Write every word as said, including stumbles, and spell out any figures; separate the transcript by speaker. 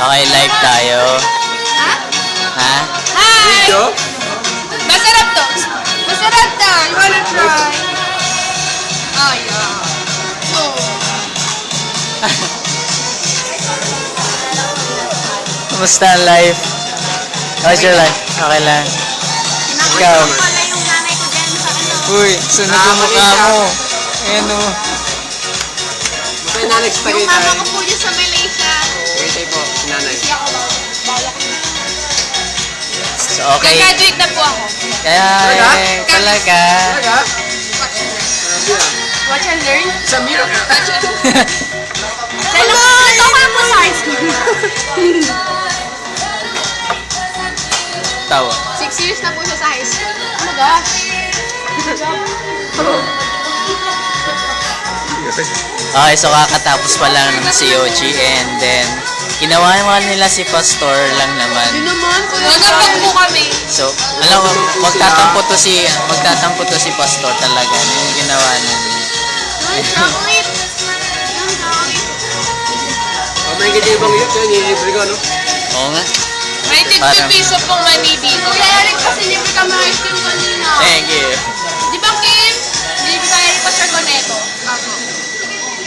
Speaker 1: Okay, live tayo.
Speaker 2: Ha?
Speaker 1: Ha?
Speaker 2: Hi!
Speaker 3: Video?
Speaker 2: Masarap to. Masarap to. You wanna try? Oh, yeah. So,
Speaker 1: Kumusta ang life? How's your life? Okay lang. Ikaw?
Speaker 2: pala yung nanay ko dyan sa ano.
Speaker 1: Uy, sunog yung mukha mo. Ayan o.
Speaker 3: Masaya na next
Speaker 2: Yung
Speaker 3: tagay
Speaker 2: mama
Speaker 3: tayo.
Speaker 2: ko po dyan sa Malaysia.
Speaker 3: Tagay po, si nanay.
Speaker 2: Kasi ako, bala ko na.
Speaker 1: So, okay.
Speaker 2: Nag-graduate na po ako.
Speaker 1: Kaya,
Speaker 3: Talaga?
Speaker 1: eh, talaga.
Speaker 3: Talaga?
Speaker 2: Watch and learn.
Speaker 3: Grabe ah.
Speaker 2: Watch and learn?
Speaker 3: Sa mirror.
Speaker 2: Watch and learn. Hello! Ito ko lang po sa high school.
Speaker 1: Tawa.
Speaker 2: Six years na po siya sa high school. Oh my gosh.
Speaker 1: Okay, so kakatapos pa lang ng C O G and then ginawa naman nila si Pastor lang naman.
Speaker 2: Yun naman po. Nagkapag po kami.
Speaker 1: So, alam mo, magtatampo to si magtatampo to si Pastor talaga. Ano yung ginawa niya?
Speaker 2: Yung chocolate. Yung chocolate.
Speaker 3: Oh, may ganda yung bang yun. Yun, nililibre ko, no?
Speaker 1: Oo nga.
Speaker 2: May
Speaker 1: Parang-
Speaker 2: tig piso pong manibi ko.